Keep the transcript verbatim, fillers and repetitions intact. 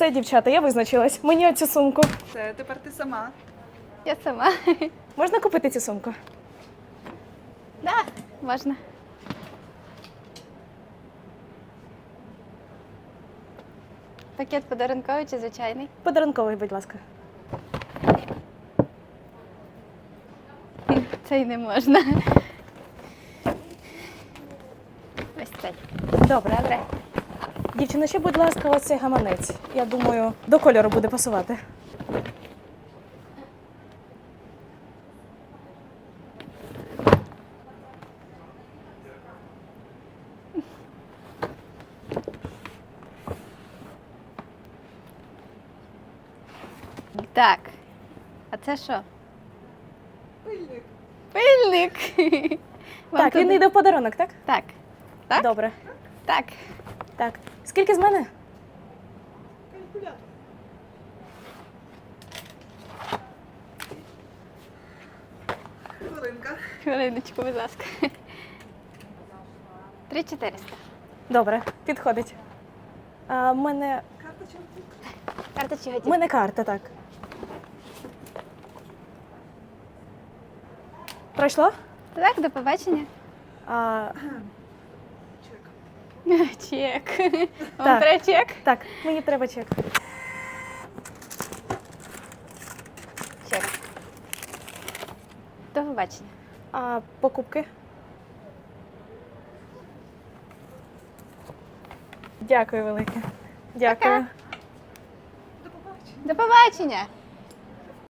Все, дівчата, я визначилась. Мені оцю сумку. Все, тепер ти сама. Я сама. Можна купити цю сумку? Да, можна. Пакет подарунковий чи звичайний? Подарунковий, будь ласка. Цей не можна. Ось цей. Добре. Добре. Дівчина, ще, будь ласка, ось цей гаманець. Я думаю, до кольору буде пасувати. Так. А це що? Пильник. Пильник. Вам Так, він туди- йде в подарунок, так? Так. Так? Добре. Так. Так. Скільки з мене? Калькулятор. Хвилинка. Хвилиночку, будь ласка. Три чотириста. Добре, підходить. А, в мене, Карточка. Карта чи в готівка? мене карта, так. Пройшло? Так, до побачення. А, Чек. Чек. Вам Так. треба чек? так, мені треба чек. Чек. До побачення. А покупки? Дякую велике. Дякую. До побачення. До побачення.